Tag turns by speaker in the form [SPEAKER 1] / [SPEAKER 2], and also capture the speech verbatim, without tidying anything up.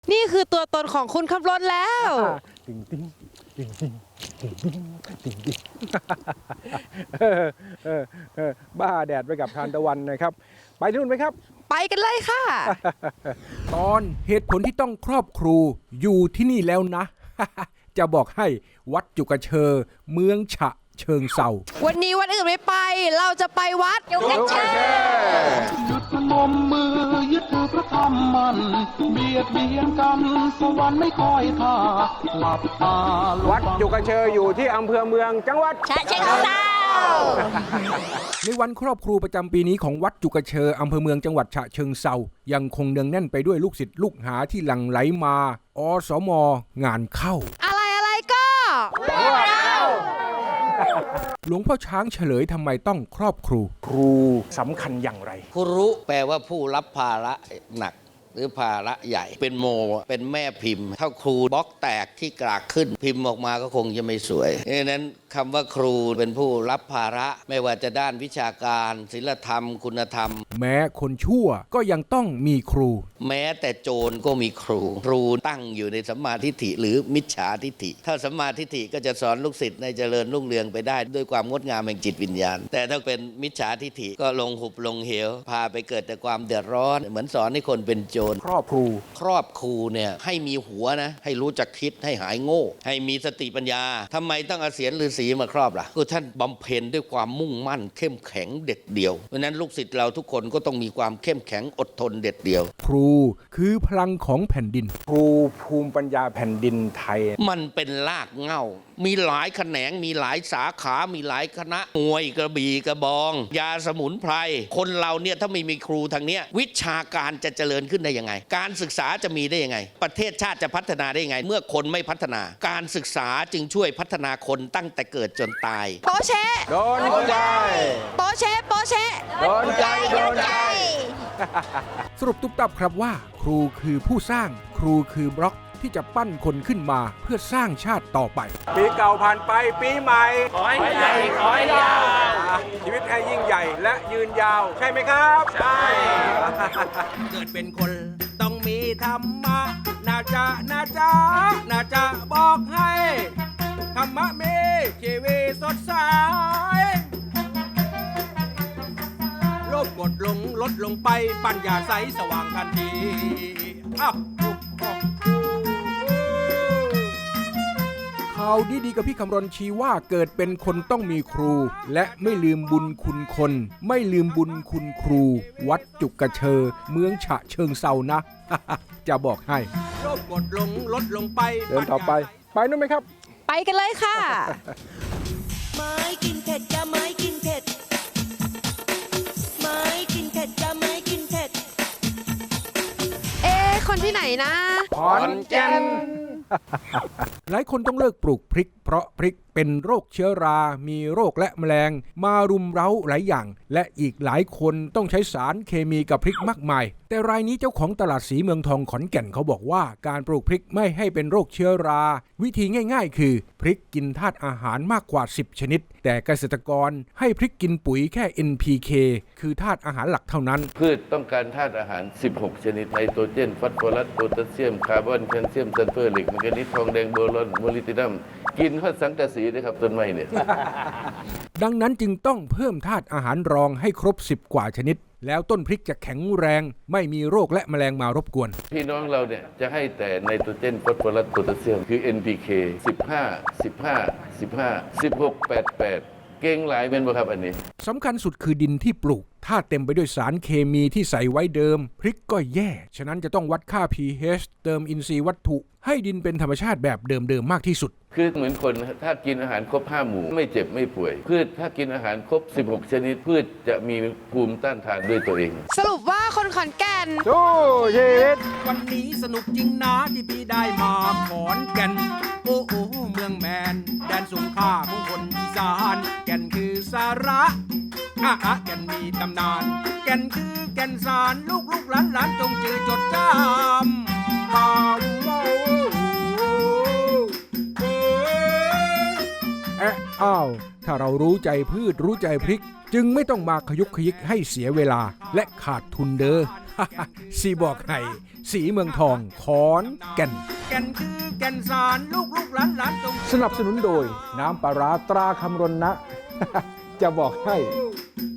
[SPEAKER 1] นี่คือตัวตนของคุณขับรถแล้ว
[SPEAKER 2] ติงติงติงติงติงติงติงติงบ้าแดดไปกับทานตะวันนะครับ ไปที่นู่นไหมครับ
[SPEAKER 1] ไปกันเลยค่ะ
[SPEAKER 3] ตอนเหตุผลที่ต้องครอบครูอยู่ที่นี่แล้วนะ จะบอกให้วัดจุกเชอเมืองฉะเชิงเซา
[SPEAKER 1] วันนี้วัดอื่นไม่ไปเราจะไปวัดจุกเชอ
[SPEAKER 4] ยึดนมมือยึดพระธรรมมันเบียดเบียนกันสวรรค์ไม่คอยท่าหลับตา
[SPEAKER 2] วัดจุกเชออยู่ที่อำเภอเมืองจังหวัด
[SPEAKER 1] ฉะเชิงเซา
[SPEAKER 3] ในวันครอบครูประจำปีนี้ของวัดจุกเชออำเภอเมืองจังหวัดฉะเชิงเซายังคงเนืองแน่นไปด้วยลูกศิษย์ลูกหาที่หลั่งไหลมาอสมงานเข้า
[SPEAKER 1] อะไรอะไรก็
[SPEAKER 3] หลวงพ่อช้างเฉลยทำไมต้องครอบครู
[SPEAKER 2] ครูสำคัญอย่างไร
[SPEAKER 5] ครูแปลว่าผู้รับภาระหนักหรือภาระใหญ่เป็นโมเป็นแม่พิมพ์ถ้าครูบล็อกแตกที่กรากขึ้นพิมพ์ออกมาก็คงจะไม่สวยดังนั้นคำว่าครูเป็นผู้รับภาระไม่ว่าจะด้านวิชาการศีลธรรมคุณธรรม
[SPEAKER 3] แม้คนชั่วก็ยังต้องมีครู
[SPEAKER 5] แม้แต่โจรก็มีครูครูตั้งอยู่ในสัมมาทิฏฐิหรือมิจฉาทิฏฐิถ้าสัมมาทิฏฐิก็จะสอนลูกศิษย์ในเจริญรุ่งเรืองไปได้ด้วยความงดงามแห่งจิตวิญญาณแต่ถ้าเป็นมิจฉาทิฏฐิก็ลงหุบลงเหวพาไปเกิดแต่ความเดือดร้อนเหมือนสอนให้คนเป็นโจร
[SPEAKER 2] ครอบครู
[SPEAKER 5] ครอบครูเนี่ยให้มีหัวนะให้รู้จักคิดให้หายโง่ให้มีสติปัญญาทำไมต้องเอาเศียรฤาษีมาครอบล่ะก็ท่านบำเพ็ญด้วยความมุ่งมั่นเข้มแข็งเด็ดเดี่ยวเพราะนั้นลูกศิษย์เราทุกคนก็ต้องมีความเข้มแข็งอดทนเด็ดเดี่ยว
[SPEAKER 3] ครูคือพลังของแผ่นดิน
[SPEAKER 2] ครูภูมิปัญญาแผ่นดินไทย
[SPEAKER 5] มันเป็นรากเหง้ามีหลายแขนงมีหลายสาขามีหลายคณะมวยกระบี่กระบองยาสมุนไพรคนเราเนี่ยถ้าไม่มีครูทางเนี้ยวิชาการจะเจริญขึ้นได้ยังไงการศึกษาจะมีได้ยังไงประเทศชาติจะพัฒนาได้ยังไงเมื่อคนไม่พัฒนาการศึกษาจึงช่วยพัฒนาคนตั้งแต่เกิดจนตาย
[SPEAKER 1] โปเช
[SPEAKER 2] โดนใจ
[SPEAKER 1] โปเชโปเช
[SPEAKER 2] โดนใจโดนใจ
[SPEAKER 3] สรุปตุ๊บตับครับว่าครูคือผู้สร้างครูคือบล็อกที่จะปั้นคนขึ้นมาเพื่อสร้างชาติต่อไป
[SPEAKER 2] ปีเก่าผ่านไปปีใหม่
[SPEAKER 5] ขอให้ใหญ่ขอให้ยาว
[SPEAKER 2] ชีวิตให้ยิ่งใหญ่และยืนยาวใช่ไหมครับ
[SPEAKER 5] ใช่
[SPEAKER 3] เกิดเป็นคนต้องมีธรรมะน่าจะน่าจะน่าจะบอกให้ธรรมะมีชีวิตสดใสโลภกดลงลดลงไปปัญญาใสสว่างทันทีอ้าวข่าวดีๆกับพี่คำรณชี้ว่าเกิดเป็นคนต้องมีครูและไม่ลืมบุญคุณคนไม่ลืมบุญคุณครูวัดจุกเชอเมืองฉะเชิงเซานะ จะบอกให้โลภกดลงลดลงไป
[SPEAKER 2] เดินต่อไปไปนู่นไหมครับ
[SPEAKER 1] ไปกันเลยค่ะ
[SPEAKER 6] ไม้กินเผ็ดจะไม้กินเผ็ดไม้กินเผ็ดจะไม้กินเผ็ด
[SPEAKER 1] เอ๊ะคนที่ไหนนะ
[SPEAKER 2] ขอนแก่น
[SPEAKER 3] หลายคนต้องเลิกปลูกพริกเพราะพริกเป็นโรคเชื้อรามีโรคและแมลงมารุมเร้าหลายอย่างและอีกหลายคนต้องใช้สารเคมีกับพริกมากมายแต่รายนี้เจ้าของตลาดสีเมืองทองขอนแก่นเขาบอกว่าการปลูกพริกไม่ให้เป็นโรคเชื้อราวิธีง่ายๆคือพริกกินธาตุอาหารมากกว่าสิบชนิดแต่เกษตรกรให้พริกกินปุ๋ยแค่ เอ็น พี เค คือธาตุอาหารหลักเท่านั้น
[SPEAKER 7] พืชต้องการธาตุอาหารสิบหกชนิดไนโตรเจนฟอสฟอรัสโพแทสเซียมคาร์บอนแคลเซียมซัลเฟอร์เหล็กแมงกานีสทองแดงโบรอนโมลิบดินัมกินข้าวสังกะสีนะครับต้นไม้เนี่ย
[SPEAKER 3] ดังนั้นจึงต้องเพิ่มธาตุอาหารรองให้ครบสิบกว่าชนิดแล้วต้นพริกจะแข็งแรงไม่มีโรคและแมลงมารบกวน
[SPEAKER 7] พี่น้องเราเนี่ยจะให้แต่ไนโตรเจนฟอสฟอรัสโพแทสเซียมคือ เอ็น พี เค สิบห้า สิบห้า สิบห้า สิบหก แปด แปดเก่งหลายเป็นบ่ครับอันนี้
[SPEAKER 3] สำคัญสุดคือดินที่ปลูกถ้าเต็มไปด้วยสารเคมีที่ใส่ไว้เดิมพริกก็แย่ฉะนั้นจะต้องวัดค่า พี เอช เติมอินทรีย์วัตถุให้ดินเป็นธรรมชาติแบบเดิมๆมากที่สุด
[SPEAKER 7] คือเหมือนคนถ้ากินอาหารครบห้าหมู่ไม่เจ็บไม่ป่วยพืชถ้ากินอาหารครบสิบหกชนิดพืชจะมีภูมิต้านทานด้วยตัวเอง
[SPEAKER 1] สรุปว่าคนขอนแก่น
[SPEAKER 2] สู้ชีวิต
[SPEAKER 3] วันนี้สนุกจริงนะที่พี่ได้มาขอนแก่นโอ้โอ้เมืองแมนแดนสงขลาของคนอีสานแก่นคือสาระอ่ะอ่ะแก่นมีตำนานแก่นคือแก่นสารลูกลูกหลานหลานจงจือจดจำตามโมเอ๊ะอ้าวถ้าเรารู้ใจพืชรู้ใจพริกจึงไม่ต้องมาขยุกขยิกให้เสียเวลาและขาดทุนเด้อ สีบอกให้สีเมืองทองขอนแก่นแก่นคือแก่นสารลูกลูกหลานหลานจง
[SPEAKER 2] สนับสนุนโดยน้ำปลาร้าตราคำรณนะ จะบอกให้